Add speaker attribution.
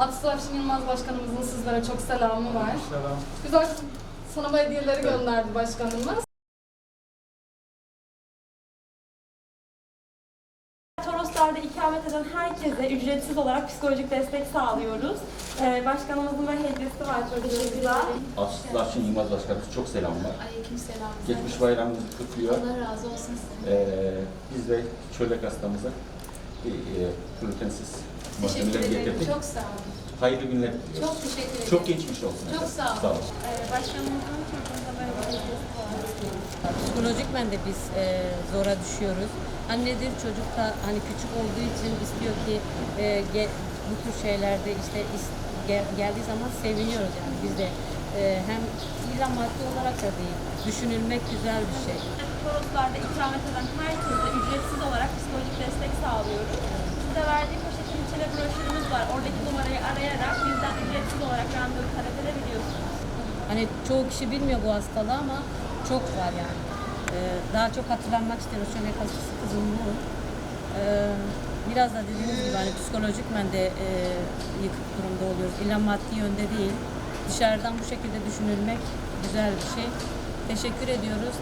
Speaker 1: Atıf Afşin Yılmaz Başkanımızın sizlere çok selamı var.
Speaker 2: Selam.
Speaker 1: Güzel sınava hediyeleri gönderdi başkanımız.
Speaker 3: Toroslar'da ikamet eden herkese ücretsiz olarak psikolojik destek sağlıyoruz. Başkanımızın da hediyesi var çocuklarımıza.
Speaker 4: Atıf Afşin Yılmaz Başkanımız çok selamlar.
Speaker 5: Aleykümselam.
Speaker 4: Geçmiş bayramımızı kutluyor.
Speaker 5: Allah razı olsun size.
Speaker 4: Biz de çölek hastamıza bir glutensiz
Speaker 5: Teşekkür
Speaker 4: malzemeler
Speaker 5: ederim.
Speaker 4: getirdik.
Speaker 5: Çok sağ olun.
Speaker 4: Hayırlı günler diliyoruz.
Speaker 5: Çok teşekkür ederim.
Speaker 4: Çok geçmiş olsun.
Speaker 5: Çok
Speaker 4: efendim.
Speaker 5: sağ olun.
Speaker 4: Sağ olun.
Speaker 3: Başkanımızın çocuğumuza böyle bir hediyesi var.
Speaker 6: Psikolojikmen de biz zora düşüyoruz. Annedir, çocuk da hani küçük olduğu için istiyor ki bu tür şeylerde işte geldiği zaman seviniyoruz yani biz de. Hem illa maddi olarak da değil, düşünülmek güzel bir şey.
Speaker 3: Toroslar'da ikamet eden herkese ücretsiz olarak psikolojik destek sağlıyoruz. Size verdiğim poşetin içine broşürümüz var. Oradaki numarayı arayarak bizden ücretsiz olarak randevu talep edebiliyorsunuz.
Speaker 6: Hani çoğu kişi bilmiyor bu hastalığı ama çok var yani. Daha çok hatırlanmak istiyoruz. Şöyle hastası kızım bu. Biraz da dediğiniz gibi hani psikolojikmen de yıkık durumda oluyoruz. İlla maddi yönde değil. Dışarıdan bu şekilde düşünülmek güzel bir şey. Teşekkür ediyoruz.